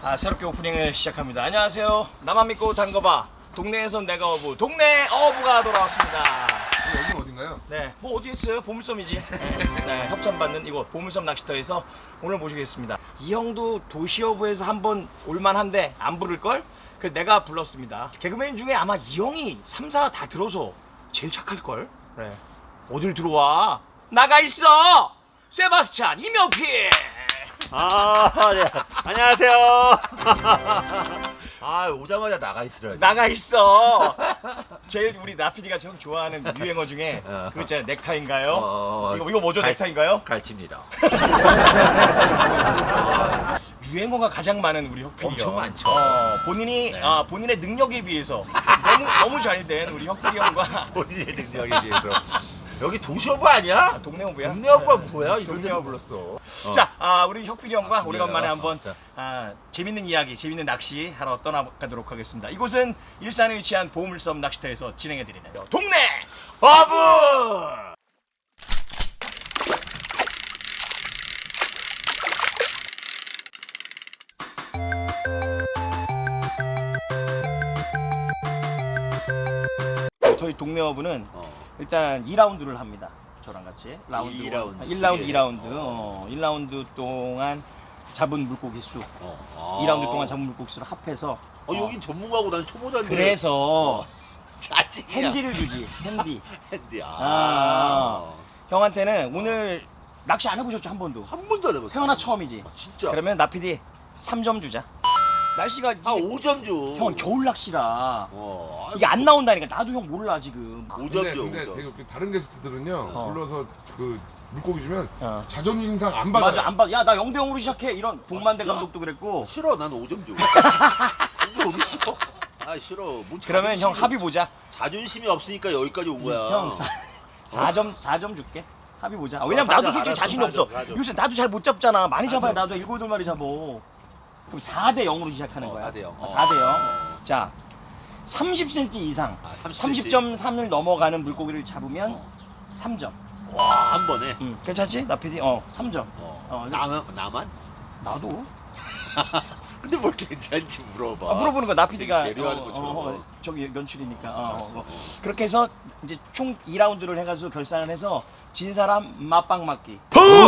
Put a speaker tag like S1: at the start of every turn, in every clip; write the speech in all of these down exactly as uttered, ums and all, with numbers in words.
S1: 아, 새롭게 오프닝을 시작합니다. 안녕하세요. 나만 믿고 담궈봐. 동네에선 내가 어부, 동네 어부가 돌아왔습니다.
S2: 여기는 어딘가요?
S1: 네, 뭐 어디 있어요? 보물섬이지. 네, 네, 협찬받는 이곳 보물섬 낚시터에서 오늘 모시겠습니다. 이 형도 도시어부에서 한번 올만한데 안 부를걸? 그 내가 불렀습니다. 개그맨 중에 아마 이 형이 삼 사 다 들어서 제일 착할걸? 네. 어딜 들어와? 나가 있어! 세바스찬 이명필!
S3: 아, 네. 안녕하세요. 아, 오자마자 나가 있으라.
S1: 나가 있어. 제일 우리 나피디가 형 좋아하는 유행어 중에
S3: 어.
S1: 그거 있잖아요. 넥타이인가요?
S3: 어,
S1: 이거 이거 뭐죠?
S3: 갈-
S1: 넥타이인가요?
S3: 갈칩니다.
S1: 유행어가 가장 많은 우리 혁필이
S3: 엄청
S1: 형.
S3: 많죠.
S1: 어, 본인이
S3: 네.
S1: 아, 본인의 능력에 비해서 너무 너무 잘된 우리 혁필이 형과
S3: 본인의 능력에 비해서. 여기 도시어부 아니야?
S1: 아, 동네 어부야.
S3: 동네 어부가
S1: 네.
S3: 뭐야? 이런
S1: 동네
S3: 데서
S1: 어부.
S3: 불렀어. 어.
S1: 자, 아, 우리 혁필이 형과
S3: 아,
S1: 오래간만에
S3: 어,
S1: 한번
S3: 자.
S1: 아, 재밌는 이야기, 재밌는 낚시 하러 떠나가도록 하겠습니다. 이곳은 일산에 위치한 보물섬 낚시터에서 진행해드리는 동네
S3: 어부!
S1: 저희 동네 어부는
S3: 어.
S1: 일단 이 라운드를 합니다. 저랑 같이 라운드
S3: 이 라운드.
S1: 일 라운드
S3: 예.
S1: 이 라운드
S3: 어.
S1: 어, 일 라운드 동안 잡은 물고기 수
S3: 어.
S1: 이 라운드 동안 잡은 물고기 수를 합해서
S3: 어, 여긴 전문가고 난 초보자인데.
S1: 그래서
S3: 짜증이야.
S1: 핸디를 주지. 핸디.
S3: 핸디. 아.
S1: 아. 형한테는 오늘 낚시 안 해보셨죠? 한 번도?
S3: 한 번도 안 해봤어.
S1: 태어나 처음이지.
S3: 아, 진짜.
S1: 그러면 나피디 삼 점 주자. 날씨가
S3: 아,
S1: 이게-
S3: 오 점 줘.
S1: 형 겨울 낚시라
S3: 어.
S1: 이게 안 나온다니까. 나도 형 몰라 지금.
S3: 오 점
S2: 근데,
S3: 줘.
S2: 근데
S3: 오 점.
S2: 되게 웃긴 다른 게스트들은요
S1: 어.
S2: 불러서 그 물고기 주면
S1: 어.
S2: 자존심상 안 받아요.
S1: 맞아 안 받아. 야 나 영 대 영으로 시작해. 이런 복만대
S3: 진짜?
S1: 감독도 그랬고.
S3: 싫어, 나는 오 점 줘. 이게 어딨어? 아, 싫어. 뭔
S1: 그러면 형
S3: 자존심이-
S1: 합의 보자.
S3: 자존심이 없으니까 여기까지 온 거야.
S1: 형 사 점 사 점 줄게. 합의 보자. 아, 왜냐면
S3: 사
S1: 나도
S3: 점,
S1: 솔직히
S3: 알았어,
S1: 자신이
S3: 사
S1: 없어.
S3: 점, 사 점.
S1: 요새 나도 잘 못 잡잖아. 많이 잡아야
S3: 사 점.
S1: 나도 일곱 여덟 마리 잡어. 그럼 사 대 영으로 시작하는
S3: 어,
S1: 거야.
S3: 사 대 영.
S1: 어, 사 대 영. 자, 삼십 센티미터 이상,
S3: 아, 삼십
S1: 삼십 점 삼을 넘어가는 물고기를 잡으면
S3: 어.
S1: 삼 점.
S3: 와, 한 번에.
S1: 음, 괜찮지? 나 피디? 어, 삼 점.
S3: 어.
S1: 어,
S3: 나만? 나만?
S1: 나도.
S3: 근데 뭘 괜찮지 물어봐.
S1: 아, 물어보는 거 나 피디가
S3: 되게 배려하는 것처럼.
S1: 저기 연출이니까. 어, 어, 어.
S3: 어.
S1: 그렇게 해서 이제 총 이 라운드를 해가지고 결산을 해서 진 사람 맛빵 맞기.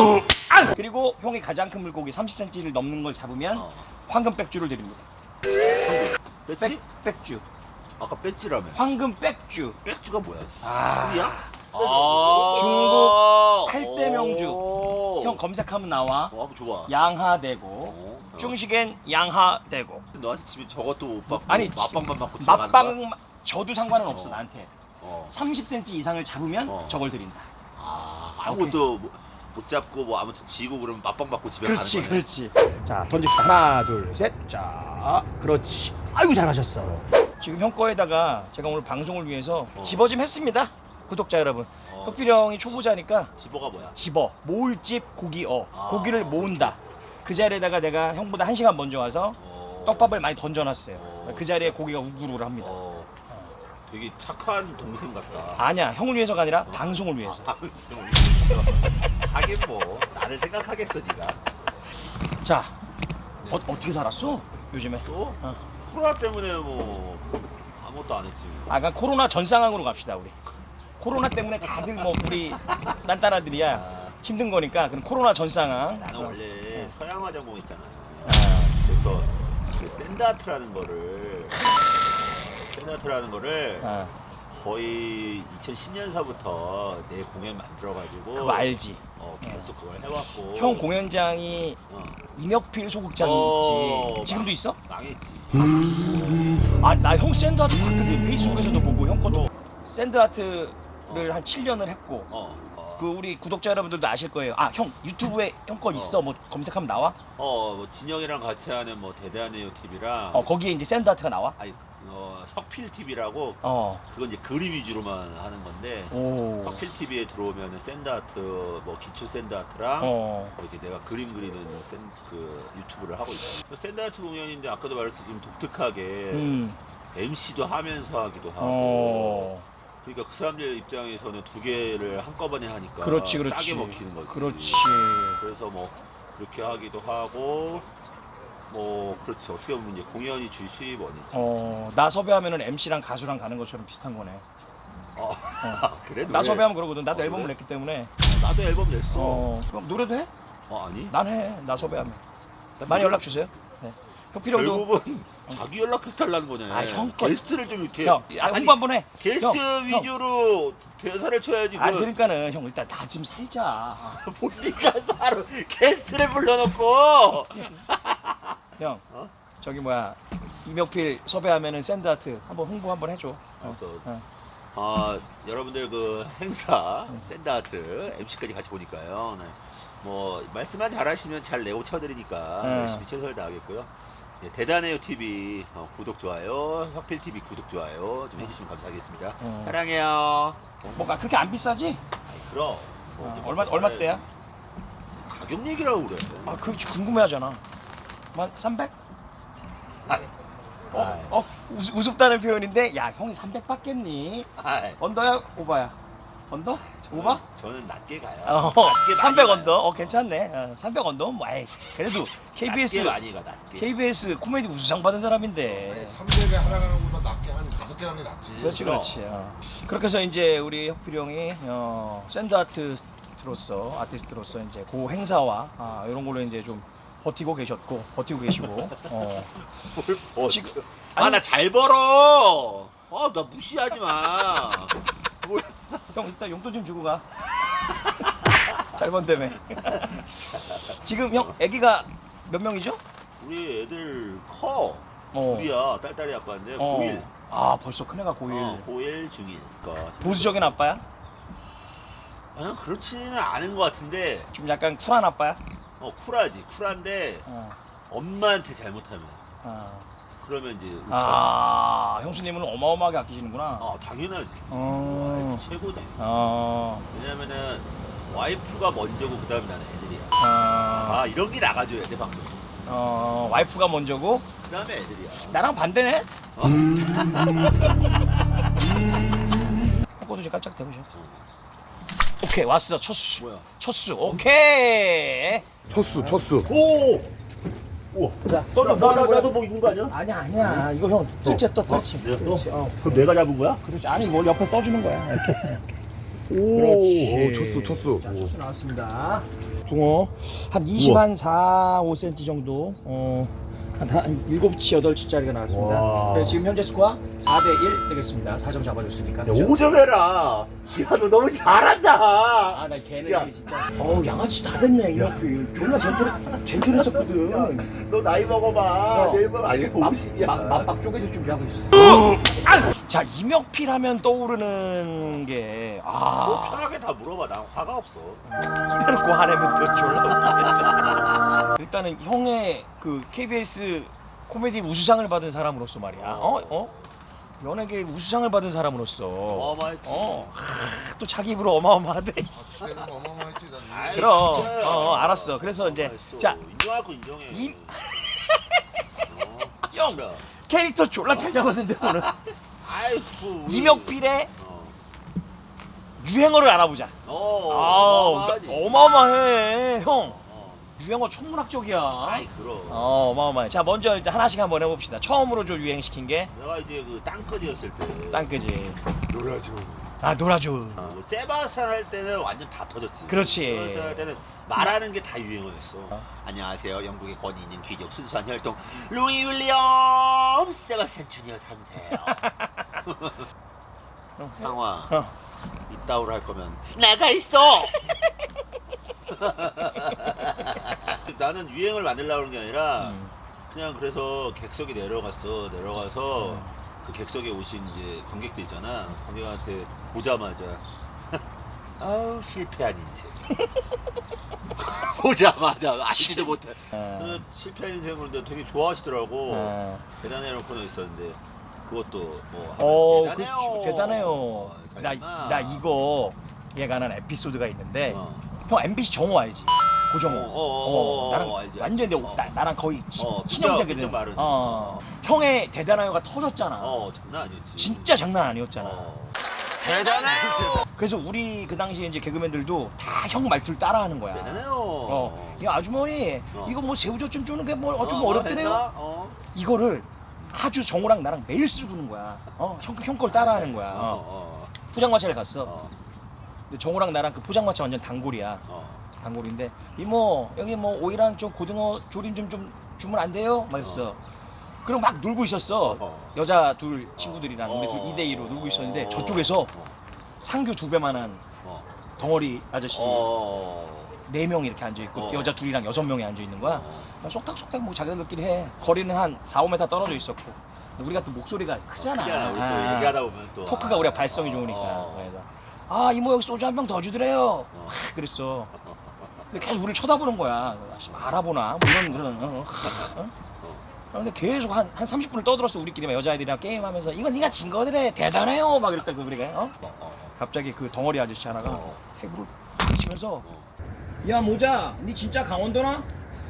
S1: 그리고 형이 가장 큰 물고기 삼십 센티미터를 넘는 걸 잡으면
S3: 어.
S1: 황금 백주를 드립니다.
S3: 배지?
S1: 백, 백주.
S3: 아까 배지라며.
S1: 황금 백주.
S3: 백주가 뭐야?
S1: 아.
S3: 술이야? 아.
S1: 중국 팔대 명주.
S3: 오.
S1: 형 검색하면 나와.
S3: 어, 좋아.
S1: 양하대고.
S3: 어.
S1: 중식엔 양하대고.
S3: 너한테 집에 저것도 못 받고
S1: 아니,
S3: 맛빵만 받고 지나가는 거야?
S1: 맛빵 저도 상관은 없어
S3: 어.
S1: 나한테.
S3: 어.
S1: 삼십 센티미터 이상을 잡으면
S3: 어.
S1: 저걸 드린다.
S3: 아, 아무것도 뭐- 못 잡고 뭐 아무튼 지고 그러면 맛빵 받고 집에
S1: 그렇지,
S3: 가는 거네.
S1: 그렇지. 자, 던집시다. 하나, 둘, 셋. 자, 그렇지. 아이고 잘하셨어. 지금 형 거에다가 제가 오늘 방송을 위해서
S3: 어.
S1: 집어 좀 했습니다. 구독자 여러분.
S3: 어.
S1: 혁필이 형이 초보자니까
S3: 집어가 뭐야?
S1: 집어, 모을집 고기어.
S3: 아.
S1: 고기를 모은다. 그 자리에다가 내가 형보다 한 시간 먼저 와서
S3: 어.
S1: 떡밥을 많이 던져놨어요.
S3: 어.
S1: 그 자리에 고기가 우글우글 합니다.
S3: 어. 되게 착한 동생 같다.
S1: 아니야, 형을 위해서가 아니라 방송을 위해서.
S3: 아, 방송. 하긴 뭐 나를 생각하겠어 네가.
S1: 자,
S3: 네.
S1: 어, 어떻게 살았어? 요즘에?
S3: 또
S1: 어.
S3: 코로나 때문에 뭐 아무것도 안 했지.
S1: 아, 그냥 코로나 전 상황으로 갑시다, 우리. 코로나 때문에 다들 뭐 우리 딴따라들이야
S3: 아,
S1: 힘든 거니까 그럼 코로나 전 상황.
S3: 나는 원래
S1: 어.
S3: 서양화 전공했잖아.
S1: 아,
S3: 그래서 그 샌드아트라는 거를 샌드아트라는 거를
S1: 아,
S3: 거의 이천십 년서부터 내 공연 만들어가지고
S1: 그거 알지?
S3: 어, 계속 그걸 해왔고.
S1: 형 공연장이
S3: 어,
S1: 임혁필 소극장이
S3: 어,
S1: 있지. 지금도
S3: 망-
S1: 있어?
S3: 망했지.
S1: 아, 나 형 샌드아트 봤거든. 페이스북에서도 보고 형 것도 샌드아트를 한 칠 년을 했고.
S3: 어, 어,
S1: 그 우리 구독자 여러분들도 아실 거예요. 아, 형 유튜브에 형 거 있어. 뭐 검색하면 나와?
S3: 어, 뭐 진영이랑 같이 하는 뭐 대대한 네오 티비랑
S1: 어, 거기에 이제 샌드아트가 나와?
S3: 아니 어, 석필 티비라고
S1: 어.
S3: 그건 이제 그림 위주로만 하는 건데
S1: 오.
S3: 석필 티비에 들어오면은 샌드아트 뭐 기초 샌드아트랑
S1: 어.
S3: 이렇게 내가 그림 그리는 샌, 그 유튜브를 하고 있어. 샌드아트 공연인데 아까도 말했듯이 좀 독특하게
S1: 음.
S3: 엠시도 하면서 하기도 하고.
S1: 어.
S3: 그러니까 그 사람들 입장에서는 두 개를 한꺼번에 하니까
S1: 그렇지, 그렇지.
S3: 싸게 먹히는 거지.
S1: 그렇지.
S3: 그래서 뭐 그렇게 하기도 하고 뭐 그렇지 어떻게 보면 이제 공연이 주 수입원이지.
S1: 어, 나 섭외하면은 엠씨랑 가수랑 가는 것처럼 비슷한 거네.
S3: 어.
S1: 어.
S3: 그래?
S1: 나
S3: 노래-
S1: 섭외하면 그러거든. 나도
S3: 아,
S1: 앨범을
S3: 그래?
S1: 냈기 때문에.
S3: 나도 앨범 냈어.
S1: 어, 그럼 노래도 해?
S3: 어, 아니?
S1: 난 해. 나 섭외하면. 많이
S3: 노래-
S1: 연락 주세요. 네. 혁필형도
S3: 결국은 자기 연락해달라는 거네.
S1: 아, 형 거-
S3: 게스트를 좀 이렇게.
S1: 형, 아,
S3: 아니,
S1: 홍보 한번 해.
S3: 게스트
S1: 형, 형.
S3: 위주로 대사를 쳐야지.
S1: 아,
S3: 그
S1: 그러니까는 형 일단 나 좀 살자.
S3: 본디가 사로 게스트를 불러놓고.
S1: 형,
S3: 어?
S1: 저기 뭐야 이명필 섭외하면은 샌드아트 한번 홍보 한번 해줘. 어.
S3: 알았어.
S1: 어.
S3: 아, 여러분들 그 행사 샌드아트 엠씨까지 같이 보니까요. 네. 뭐 말씀만 잘하시면 잘 내고 쳐드리니까
S1: 네.
S3: 열심히 최선을 다하겠고요. 네, 대단해요 티비 어, 구독 좋아요, 혁필 티비 구독 좋아요 좀 해주시면 감사하겠습니다.
S1: 어.
S3: 사랑해요.
S1: 뭐가 그렇게 안 비싸지?
S3: 아이, 그럼 뭐
S1: 어,
S3: 이제
S1: 얼마
S3: 뭐
S1: 얼마
S3: 잘해.
S1: 대야?
S3: 가격 얘기라고 그래.
S1: 아, 그게 궁금해하잖아. 만 삼백?
S3: 아이,
S1: 어,
S3: 아이,
S1: 어, 우습, 우습다는 표현인데, 야, 형이 삼백 받겠니?
S3: 아이.
S1: 언더야, 오바야? 언더? 오바?
S3: 저는 낮게 가요.
S1: 어,
S3: 낮게 많이
S1: 삼백
S3: 가요.
S1: 언더? 어, 괜찮네. 어, 삼백 언더? 뭐, 에이, 그래도 케이비에스,
S3: 낮게 많이 가 낮게.
S1: 케이비에스 코미디 우수상 받은 사람인데.
S2: 삼백에 하나가는 것보다 낮게 한 다섯 개 하는 게 낫지.
S1: 그렇지, 그렇지. 어. 그렇게 해서 이제 우리 혁필 형이, 어, 샌드 아티스트로서, 아티스트로서 이제 그 행사와, 아, 이런 걸로 이제 좀 버티고 계셨고, 버티고 계시고, 어.
S3: 뭘 버-
S1: 지금-
S3: 아, 나 잘 벌어. 아, 나 무시하지 마. 뭘-
S1: 형 일단 용돈 좀 주고 가. 잘 번다며. 지금 형 아기가 몇 명이죠?
S3: 우리 애들 커.
S1: 어.
S3: 둘이야. 딸딸이 아빠인데
S1: 어.
S3: 고일.
S1: 아 벌써 큰애가 고일.
S3: 어, 고일 중일. 그러니까
S1: 보수적인 아빠야?
S3: 아니, 그렇지는 않은 것 같은데
S1: 좀 약간 쿨한 아빠야?
S3: 어 쿨하지. 쿨한데
S1: 어.
S3: 엄마한테 잘못하면
S1: 아,
S3: 그러면 이제
S1: 아 형수님은 어마어마하게 아끼시는구나.
S3: 아 당연하지.
S1: 어.
S3: 와이프 최고지.
S1: 어.
S3: 왜냐면은 와이프가 먼저고 그다음에 나는 애들이야.
S1: 어.
S3: 아 이런 게 나가줘야 돼 방송.
S1: 어. 와이프가 먼저고
S3: 그다음에 애들이야.
S1: 나랑 반대네. 코코도 좀 깜짝 대보셔. 오케이 왔어 첫 수.
S3: 뭐야?
S1: 첫 수. 오케이.
S2: 첫수 첫수.
S3: 오. 우와.
S1: 자,
S3: 나, 나, 나, 나도 뭐 있는 거 아니야?
S1: 아니야 아니야 이거 형 둘째 떠 그렇지
S3: 내가 떠?
S1: 그렇지 어
S3: 그럼 내가 잡은 거야?
S1: 그렇지 아니 뭘 옆에 떠주는 거야 이렇게
S3: 오.
S1: 그렇지
S2: 오, 첫수 첫수.
S1: 자 첫수 나왔습니다 붕어 한 이십 한 사, 오 센티미터 정도 어한 한 일곱 치, 여덟 치짜리가 나왔습니다
S3: 와.
S1: 네, 지금 현재 스코어 사 대 일 되겠습니다 사 점 잡아줬으니까
S3: 야, 오 점 해라. 야, 너 너무 잘한다.
S1: 아나 걔는
S3: 야.
S1: 진짜 어우 양아치 다 됐네 이렇게 존나 젠틀 젠틀했었거든
S3: 너 나이 먹어봐.
S1: 어.
S3: 내일 밤 아니 오십이야.
S1: 맛박 쪼개질 준비하고 있어 자 이명필 하면 떠오르는
S3: 너
S1: 게아
S3: 편하게 다 물어봐. 난 화가 없어.
S1: 이래놓고 화내면 또 졸라 웃기겠다. 일단은 형의 그 케이비에스 코미디 우수상을 받은 사람으로서 말이야. 어? 어? 연예계 우수상을 받은 사람으로서.
S3: 어마어마했지.
S1: 어. 하, 또 자기 입으로 어마어마하대.
S2: 내가 어마어마했지 나.
S3: 아이,
S1: 그럼.
S3: 진짜야.
S1: 어, 알았어. 그래서 이제
S3: 어마어마했어.
S1: 자,
S3: 인정할 거 인정해.
S1: 이-
S3: 어,
S1: 형.
S3: 진짜.
S1: 캐릭터 졸라 잘 잡았는데 오늘.
S3: 아이고. 우리-
S1: 이명필의
S3: 어.
S1: 유행어를 알아보자.
S3: 어.
S1: 아우,
S3: 어마어마하지.
S1: 어마어마해. 형.
S3: 어.
S1: 유행어 천문학적이야.
S3: 아이 그럼.
S1: 어, 어마어마해. 자, 먼저 일단 하나씩 한번 해봅시다. 처음으로 좀 유행시킨 게
S3: 내가 이제 그 땅끝이었을 때.
S1: 땅끄지.
S2: 놀라죠.
S1: 아, 놀아줘.
S3: 어, 뭐 세바스찬 할 때는 완전 다 터졌지.
S1: 그렇지.
S3: 세바스찬 할 때는 말하는 게 다 유행어였어. 안녕하세요. 영국의 권위 있는 귀족 순수한 혈통 루이 윌리엄 세바스찬 주니어 삼 세요. 상화
S1: 어.
S3: 이따오로 할 거면 나가 있어. 나는 유행을 만들려고 하는 게 아니라
S1: 음.
S3: 그냥 그래서 객석에 내려갔어. 내려가서
S1: 음.
S3: 그 객석에 오신 이제 관객들 있잖아. 관객한테 보자마자 아우 실패한 인생. 보자마자 알지도 못해.
S1: 어.
S3: 그 실패한 인생을 근데 되게 좋아하시더라고.
S1: 어.
S3: 대단해요 코너 있었는데 그것도 뭐
S1: 어,
S3: 하면
S1: 그, 대단해요.
S3: 어,
S1: 나,
S3: 설마.
S1: 나 이거 얘가는 에피소드가 있는데
S3: 어.
S1: 형 엠비씨 정호 알지? 고정호.
S3: 어, 어, 어, 어,
S1: 나랑
S3: 어, 알지,
S1: 완전 내
S3: 알지. 어.
S1: 나, 나랑 거의 치,
S3: 어,
S1: 친형제거든.
S3: 진짜 말은.
S1: 어. 형의 대단해요가 터졌잖아.
S3: 어 장난 아니었지.
S1: 진짜 장난 아니었잖아.
S3: 어. 대단해요.
S1: 그래서 우리 그 당시에 이제 개그맨들도 다 형 말투를 따라하는 거야.
S3: 대단해요.
S1: 어, 야 아주머니
S3: 어.
S1: 이거 뭐 새우젓 좀 주는 게 뭐 어, 좀
S3: 어,
S1: 어렵더래요.
S3: 됐다? 어.
S1: 이거를 아주 정우랑 나랑 매일 쓰고 는 거야. 어, 형, 형 걸 따라하는 거야.
S3: 어,
S1: 어.
S3: 어,
S1: 포장마차를 갔어.
S3: 어,
S1: 근데 정우랑 나랑 그 포장마차 완전 단골이야.
S3: 어.
S1: 단골인데 이모 여기 뭐 오이랑 좀 고등어 조림 좀 좀 주면 안 돼요? 막 했어. 그럼 막 놀고 있었어.
S3: 어.
S1: 여자 둘 친구들이랑 우리
S3: 어.
S1: 둘 이 대 이로 놀고 있었는데
S3: 어.
S1: 저쪽에서
S3: 어.
S1: 상규 두 배만한
S3: 어.
S1: 덩어리 아저씨
S3: 어.
S1: 네 명이 이렇게 앉아 있고
S3: 어.
S1: 여자 둘이랑 여섯 명이 앉아 있는 거야.
S3: 어.
S1: 속닥속닥 뭐 자기들끼리 해. 거리는 한 사, 오 미터 떨어져 있었고 우리가 또 목소리가 크잖아.
S3: 크잖아. 우리 또
S1: 아.
S3: 얘기하다 보면 또
S1: 토크가 우리가 발성이
S3: 어,
S1: 좋으니까.
S3: 어.
S1: 그래서 아 이모 여기 소주 한 병 더 주더래요.
S3: 어.
S1: 막 그랬어. 근데 계속 우리를 쳐다보는 거야. 알아보나? 뭐 이런 그런. 어? 어? 아, 근데 계속 한, 한 삼십 분을 떠들었어 우리끼리 여자애들이랑 게임하면서 이건 네가 진 거더래 대단해요 막 이랬다고 우리가 어?
S3: 어, 어,
S1: 갑자기 그 덩어리 아저씨 하나가
S3: 어.
S1: 해부를 치면서
S3: 어.
S1: 야 모자 니 진짜 강원도나?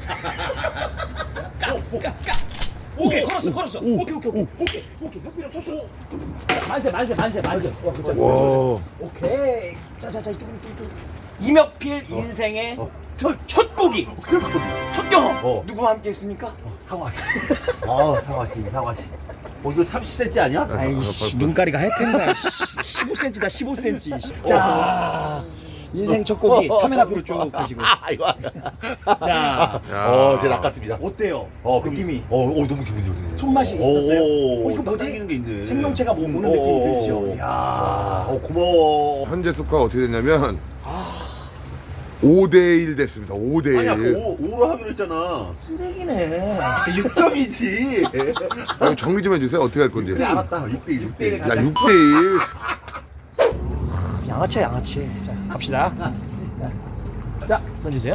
S1: 까까까 오케이 걸었어 걸었어 오케이 오케이 오케이 오케이 오케이 혁비랑 쳤어 만세 만세 만세 만세 와 그자
S2: 와.
S1: 오케이 자자자 이쪽으로 이쪽으로 이명필 인생의
S3: 어.
S1: 첫, 첫 곡이 첫 경험
S3: 어.
S1: 누구와 함께 했습니까?
S3: 상화 씨. 아, 상화 씨, 상화 씨. 어, 이거 삼십 센치 아니야?
S1: 아이씨 눈가리가 하여튼가 십오 센티미터다 십오 센티미터 자 인생 첫 곡이 카메라 앞으로 쭉 가시고
S3: 아, 이거.
S1: 자
S3: 어, 제 낚았습니다.
S1: 어때요?
S3: 어, 그럼-
S1: 느낌이
S3: 어, 어, 너무 기분 좋네.
S1: 손맛이 있었어요?
S3: 오,
S1: 어, 이거 뭐지?
S3: 당기는 게 있네.
S1: 생명체가 뭐 오는
S3: 어,
S1: 느낌이
S3: 어,
S1: 들죠?
S3: 어.
S1: 이야.
S3: 어, 고마워.
S2: 현재 스코어가 어떻게 됐냐면 오 대 일 됐습니다. 오 대
S3: 아니, 아까
S2: 일.
S3: 오, 오로 하기로 했잖아.
S1: 쓰레기네
S3: 육 점이지.
S2: 아, 정리 좀 해주세요. 어떻게 할 건지.
S1: 그래, 알았다.
S3: 육 대 일, 육 대 일.
S1: 가자.
S2: 야, 육 대 일.
S1: 양아치 양아치 자 갑시다 자 던지세요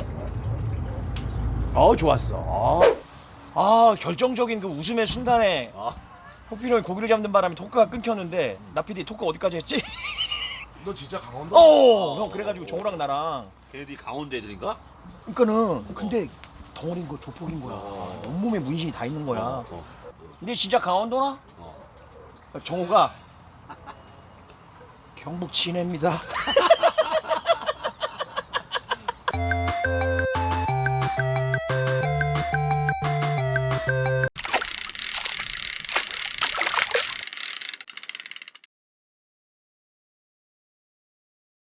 S1: 어 좋았어 아 결정적인 그 웃음의 순간에
S3: 아,
S1: 호필이 형이 고기를 잡는 바람에 토크가 끊겼는데 나 피디 토크 어디까지 했지?
S2: 너 진짜 강원도?
S1: 어, 형 그래가지고 정우랑 나랑
S3: 걔네들이 강원도 애들인가?
S1: 그러니까는 근데 덩어리인 거 조폭인 거야.
S3: 어.
S1: 온몸에 문신이 다 있는 거야.
S3: 어, 어,
S1: 근데 진짜 강원도나?
S3: 어.
S1: 정우가 경북 진해입니다.